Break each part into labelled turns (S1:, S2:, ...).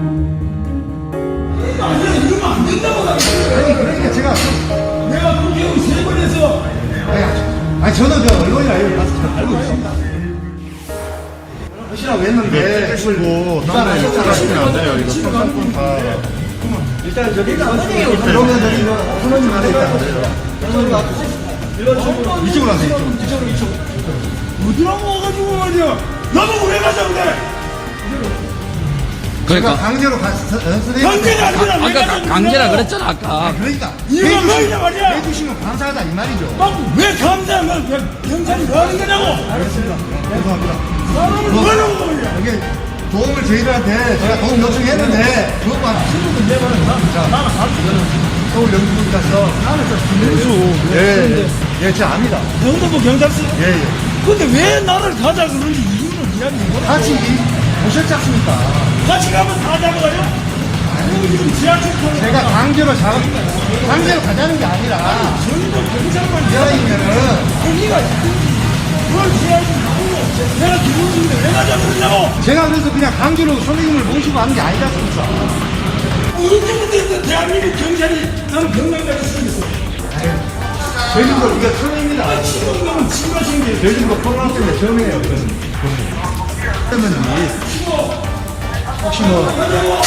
S1: 아니야, 이러면 안 된다고.
S2: 아니 그러니까 제가
S1: 내가 국회의원 3번 해서.
S2: 아니 저는 저 언론이나 이걸 봐서 잘 알고 있습니다. 하시라고 했는데
S3: 찍으시고 딴데 욕하시면 안 돼요. 이거 선상권 다.
S2: 일단 저기 그러면 저기 선언님 안에 있다. 이쪽으로 하세요. 이쪽으로.
S1: 어디라고 와가지고 말이야. 나보고 왜 가자고 그래.
S2: 제가 강제로 선생님.
S1: 강제가 아니라 왜
S4: 아까
S1: 가자고
S4: 강제라
S1: 그래.
S4: 그랬잖아 아까.
S2: 그러니까
S1: 이유가 뭐냐 말이야.
S2: 해주시면 감사하다 이 말이죠.
S1: 왜 감사하면 경찰이 뭐 하는 거냐고.
S2: 알겠습니다. 죄송합니다.
S1: 사람을 뭐 하려고 말이야.
S2: 이게 도움을 저희들한테 제가 도움 요청했는데 그것만 친구들 내보는 나는 서울 영국에 가서 나는 좀 예, 제가 압니다.
S1: 영등포 경찰서.
S2: 예.
S1: 근데 왜 나를 가자 그러는지 이유는 이야기해 보라.
S2: 같이 오셨지 않습니까?
S1: 같이 가면 다 잡아가요? 아니 지금 지하철 타고
S2: 제가 강제로 가자는 게 아니라
S1: 전부 경찰만
S2: 이야기면은
S1: 거기가 있든지 그걸 지하철 타고 내가 기분인데 왜 가자 그러냐고.
S2: 제가 그래서 그냥 강제로 선생님을 모시고 하는 게 아니지 않습니까?
S1: 언제부터 대한민국 경찰이 나는 경찰까지 쓰겠어.
S2: 저희도 이게 처음입니다.
S1: 지금은 친구하신 게
S2: 저희도 코로나 때문에 처음이에요. 그러면 혹시 뭐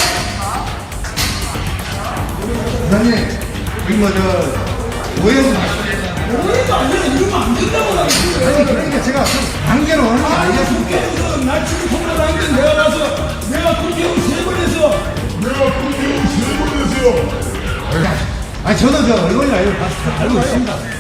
S2: 부장님 여기 뭐저 오해는
S1: 오해가 아니라 이러면 안 된다고.
S2: 아니 그러니까 제가 강제로 하는 게 아니었습니까?
S1: 국회에서 날 지금 통과하는데 내가 가서 내가 국회의원 3번 해서
S2: 아니 저는 저 언론이나 이걸 봐서 잘 알고 있습니다.